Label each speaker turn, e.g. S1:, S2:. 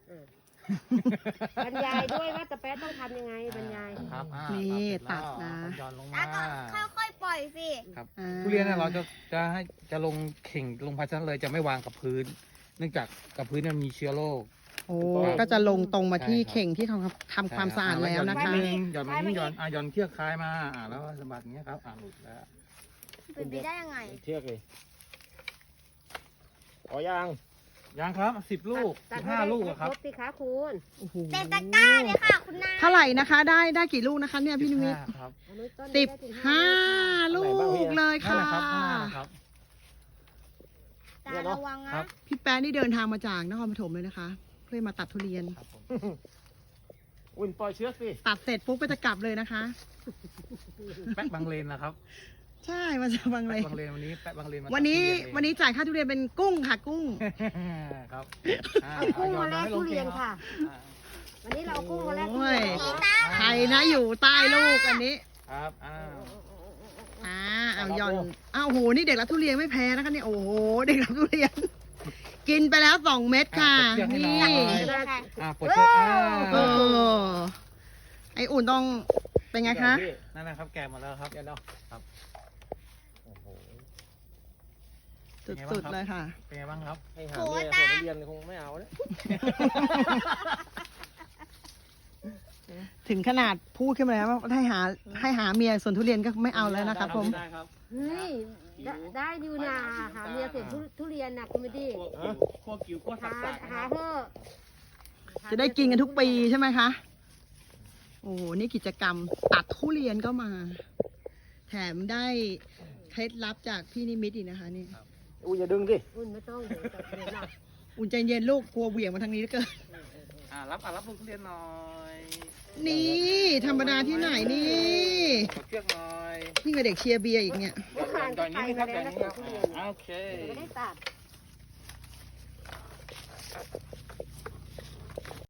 S1: บรรยายด้วยว่าตะแป๊ะต้องทำยังไงบรรยาย
S2: ครับ
S3: นี่ตัดนะ
S2: ย้อนลง
S4: แล้
S2: มาว
S4: ก็ค่อยๆปล่อยสิ
S2: ครับ
S3: อ่า
S2: ทุเรียนเนี่ยเราจะลงเข่งลงภาชนะเลยจะไม่วางกับพื้น เนื่องจากกับพื้นเนี่ยมีเชื้อโรค
S3: โอ้ก็จะลงตรงมาที่
S2: ใช่ครับ
S3: เข่งที่ทำความสะอาดแล้วนะคะ
S2: หย่อนมานิดนึงหย่อนเชือกคลายมาแล้วสะบัดอย่างเงี้ยครับหลุดแล้ว
S4: เป็นไปได้ยังไง
S5: เชือกเลยขอย่าง
S2: ยังครับ10 ลูก
S1: ตัด
S2: 15 ลูก
S1: ให้
S2: อะครับ
S1: ครบสิคะคุณ
S3: โอ้โห
S4: เต็มตะกร้าเลยค่ะคุณนาย
S3: เท่าไหร่นะคะ ได้กี่ลูกนะคะเนี่ยพี่นิมิต
S2: 15ครับ
S1: เอาไว้ต้น
S3: 15 ลูกเลย
S2: นั่น
S3: ค่ะ
S2: แหละครับข้างหน้านะครับ
S4: ตาระวัง
S2: ครั
S4: นะ
S2: บ
S3: พี่แป๊ะนี่เดินทางมาจากนครปฐมเลยนะคะ เพื่อมาตัดทุเรียน
S2: ครับผม
S5: อุ่นปล่อยเชือกสิ
S3: ตัดเสร็จปุ๊บก็จะกลับเลยนะคะ
S2: แป๊ะบางเลนนะครับ
S3: ใช่มาจากบางเล
S2: แป๊ะ
S3: ย
S2: บางเลนวันนี้แป๊ะบางเลนมา
S3: วันนี้
S2: ตัดทุเรียเอง
S3: วันนี้จ่ายค่าทุเรียนเป็นกุ้งค่ะกุ้ง
S2: ครับ
S1: เอากุ้งมาแลกทุเรียนค่ะ
S2: อ่า
S1: วันนี้เราเอากุ้งมาแลกทุ
S3: โอ้
S1: เรี
S3: ย
S1: ยน
S3: ใครนะอยู่ใต้ลูกอันนี้
S2: ครับ
S3: เอาย่อนโอ้โหนี่เด็กรับทุเรียนไม่แพ้นะคะเนี่ยโอ้โหเด็กรับทุเรียน กินไปแล้ว2 เม็ดค่ะ นี่
S2: ปวดเชือก
S3: เออไออุ่นต้องเป็นไงคะ
S2: นั่นนะครับแกะหมาแล้วครับ
S5: เดี๋ยวเนาะ
S2: ครับ
S5: โอ้โห
S3: สุดๆเลยค่ะ
S2: เป็นไงบ้างครับ
S5: ให้หาเมียส่วนเรียนคงไม่เอาแล้ว
S3: ถึงขนาดพูดขึ้นมาแล้วว่าให้หาเมียส่วนทุเรียนก็ไม่เอาแล้วนะครับผม
S2: ได้ครับ
S1: เฮ้ยได้อยู่นะหาเมียเสร็จทุเรียนนะคุณไม่ดี
S2: ขั้วกิ้วขั้วสั
S1: หา
S2: บๆ
S1: หา
S2: นะครับ
S1: เถอะ
S3: จะได้กินกันทุกปีใช่ไหมคะ โอ้โหนี่กิจกรรมตัดทุเรียนก็มา แถมได้เคล็ดลับจากพี่นิมิตอีกนะคะนี่
S5: อุ้ยอย่าดึงสิ
S1: อุ่นไม่ต้องเดี๋ยวจะเดี๋ยวนะ
S3: อุ่นใจเย็นลูกกลัวเหวี่ยงมาทางนี้แล้วเกิน
S2: รับลูกทุเรียนหน่อย
S3: นี่ธรรมดาที่ไหนนี่
S2: ปวดเชือกหน่อย
S3: นี่กับเด็กเชียร์เบียร์อีกเนี่ย
S1: เมื่อวาน
S2: ต
S1: ก็
S2: อน
S1: ไป
S2: นี้
S1: มา
S2: ครับ
S1: แล้ว
S2: อย่าง
S1: นะ
S2: นี้
S1: คุณ
S2: ครับ
S1: ทุเรียน
S2: โอเค
S1: ไม่ได้ตัด